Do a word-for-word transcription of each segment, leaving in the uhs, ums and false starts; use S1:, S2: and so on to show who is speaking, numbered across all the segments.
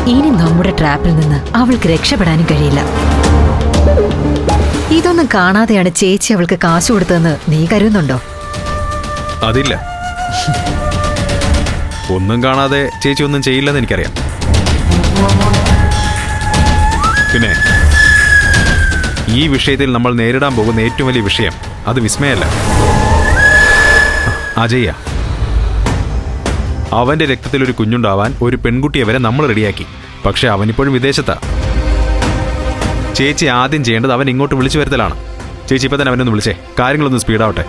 S1: ഇനി നമ്മുടെ ട്രാപ്പിൽ നിന്ന് അവൾക്ക് രക്ഷപ്പെടാനും കഴിയില്ല. ഇതൊന്നും കാണാതെയാണ് ചേച്ചി അവൾക്ക് കാശ് കൊടുത്തതെന്ന് നീ കരുതുന്നുണ്ടോ?
S2: അതില്ല, ഒന്നും കാണാതെ ചേച്ചി ഒന്നും ചെയ്യില്ലെന്ന് എനിക്കറിയാം. പിന്നെ ഈ വിഷയത്തിൽ നമ്മൾ നേരിടാൻ പോകുന്ന ഏറ്റവും വലിയ വിഷയം അത് വിസ്മയല്ല, അജയ്യ. അവന്റെ രക്തത്തിൽ ഒരു കുഞ്ഞുണ്ടാവാൻ ഒരു പെൺകുട്ടിയെ വരെ നമ്മൾ റെഡിയാക്കി. പക്ഷെ അവനിപ്പോഴും വിദേശത്താ. ചേച്ചി ആദ്യം ചെയ്യേണ്ടത് അവൻ ഇങ്ങോട്ട് വിളിച്ചു വരുത്തലാണ്. ചേച്ചി ഇപ്പൊ തന്നെ അവനൊന്ന് വിളിച്ചേ, കാര്യങ്ങളൊന്ന് സ്പീഡാവട്ടെ.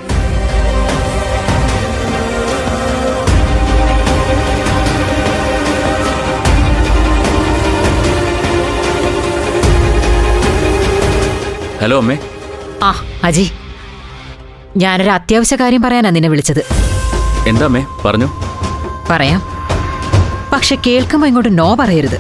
S3: ഹലോ അമ്മേ.
S1: ആ അജി, ഞാനൊരു അത്യാവശ്യ കാര്യം പറയാനാ നിന്നെ വിളിച്ചത്.
S3: എന്താ അമ്മേ, പറഞ്ഞു.
S1: പറയാം, പക്ഷെ കേൾക്കുമ്പോ ഇങ്ങോട്ട് നോ പറയരുത്.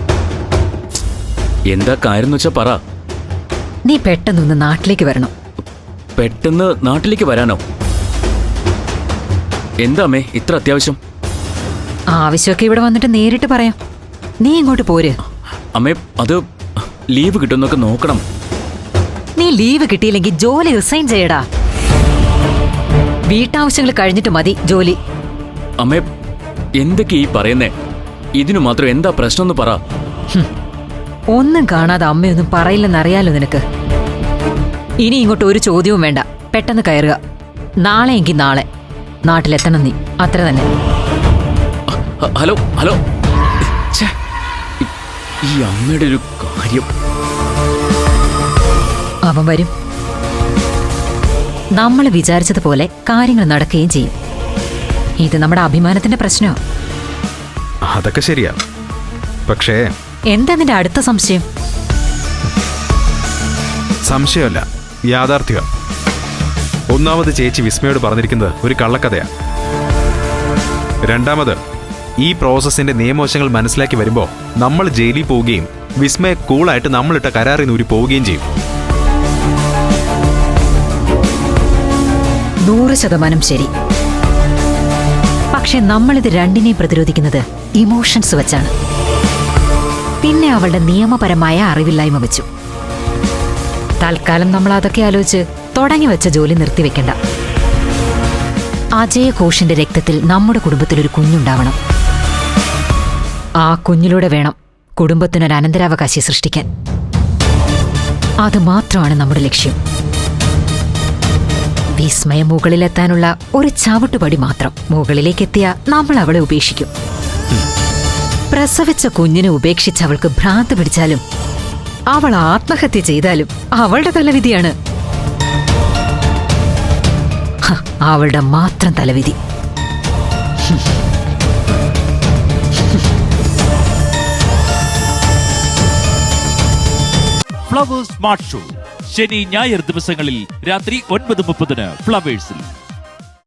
S3: എന്താ കാര്യം വെച്ചാ പറ.
S1: നീ പെട്ടെന്നൊന്ന് നാട്ടിലേക്ക് വരണം.
S3: പെട്ടെന്ന് നാട്ടിലേക്ക് വരാനോ? എന്താ അമ്മേ ഇത്ര അത്യാവശ്യം?
S1: ആവശ്യമൊക്കെ ഇവിടെ വന്നിട്ട് നേരിട്ട് പറയാം. നീ ഇങ്ങോട്ട് പോര്.
S3: അമ്മേ, അത് ലീവ് കിട്ടുന്നൊക്കെ നോക്കണം.
S1: നീ ലീവ് കിട്ടിയില്ലെങ്കിൽ ജോലി റിസൈൻ ചെയ്യടാ. വീട്ടാവശ്യങ്ങൾ കഴിഞ്ഞിട്ട് മതി ജോലി.
S3: അമ്മേ, എന്തൊക്കെ ഈ പറയുന്നേ? ഇതിനു മാത്രം എന്താ പ്രശ്നം എന്ന് പറ.
S1: ഒന്നും കാണാതെ അമ്മയൊന്നും പറയില്ലെന്നറിയാലോ നിനക്ക്. ഇനി ഇങ്ങോട്ട് ഒരു ചോദ്യവും വേണ്ട, പെട്ടെന്ന് കയറുക. നാളെ എങ്കിൽ നാളെ നാട്ടിലെത്തണം നീ, അത്ര തന്നെ.
S3: ഹലോ ഹലോ, ഈ അമ്മയുടെ ഒരു കാര്യം.
S1: അവൻ വരും. നമ്മൾ വിചാരിച്ചതുപോലെ കാര്യങ്ങൾ നടക്കുകയും ചെയ്യും. ഇത് നമ്മുടെ അഭിമാനത്തിന്റെ പ്രശ്നമാണ്.
S2: അതൊക്കെ ശരിയാ, പക്ഷേ
S1: എന്താ നിന്റെ അടുത്ത സംശയം?
S2: സംശയമല്ല, യാഥാർത്ഥ്യ. ഒന്നാമത് ചേച്ചി വിസ്മയോട് പറഞ്ഞിരിക്കുന്നത് ഒരു കള്ളക്കഥയാ. രണ്ടാമത് ഈ പ്രോസസ്സിന്റെ നിയമവശങ്ങൾ മനസ്സിലാക്കി വരുമ്പോ നമ്മൾ ജയിലിൽ പോവുകയും വിസ്മയ കൂളായിട്ട് നമ്മളിട്ട കരാറിൽ ഊരി പോവുകയും ചെയ്യും.
S1: നൂറ് ശതമാനം ശരി. പക്ഷെ നമ്മളിത് രണ്ടിനെയും പ്രതിരോധിക്കുന്നത് ഇമോഷൻസ് വെച്ചാണ്. പിന്നെ അവളുടെ നിയമപരമായ അറിവില്ലായ്മ വെച്ചു. തൽക്കാലം നമ്മൾ അതൊക്കെ ആലോചിച്ച് തുടങ്ങി വെച്ച ജോലി നിർത്തിവെക്കണ്ട. അജയ ഘോഷിന്റെ രക്തത്തിൽ നമ്മുടെ കുടുംബത്തിലൊരു കുഞ്ഞുണ്ടാവണം. ആ കുഞ്ഞിലൂടെ വേണം കുടുംബത്തിനൊരു അനന്തരാവകാശി സൃഷ്ടിക്കാൻ. അത് മാത്രമാണ് നമ്മുടെ ലക്ഷ്യം. വിസ്മയം മുകളിലെത്താനുള്ള ഒരു ചവിട്ടുപടി മാത്രം. മുകളിലേക്കെത്തിയ നമ്മൾ അവളെ ഉപേക്ഷിക്കും. പ്രസവിച്ച കുഞ്ഞിനെ ഉപേക്ഷിച്ച് അവൾക്ക് ഭ്രാന്ത് പിടിച്ചാലും അവൾ ആത്മഹത്യ ചെയ്താലും അവളുടെ തലവിധിയാണ്. അവളുടെ മാത്രം തലവിധി.
S4: ഫ്ലവേഴ്സ് സ്മാർട്ട് ഷോ ശനി ഞായർ ദിവസങ്ങളിൽ രാത്രി ഒൻപത് മുപ്പതിന് ഫ്ലവേഴ്സിൽ.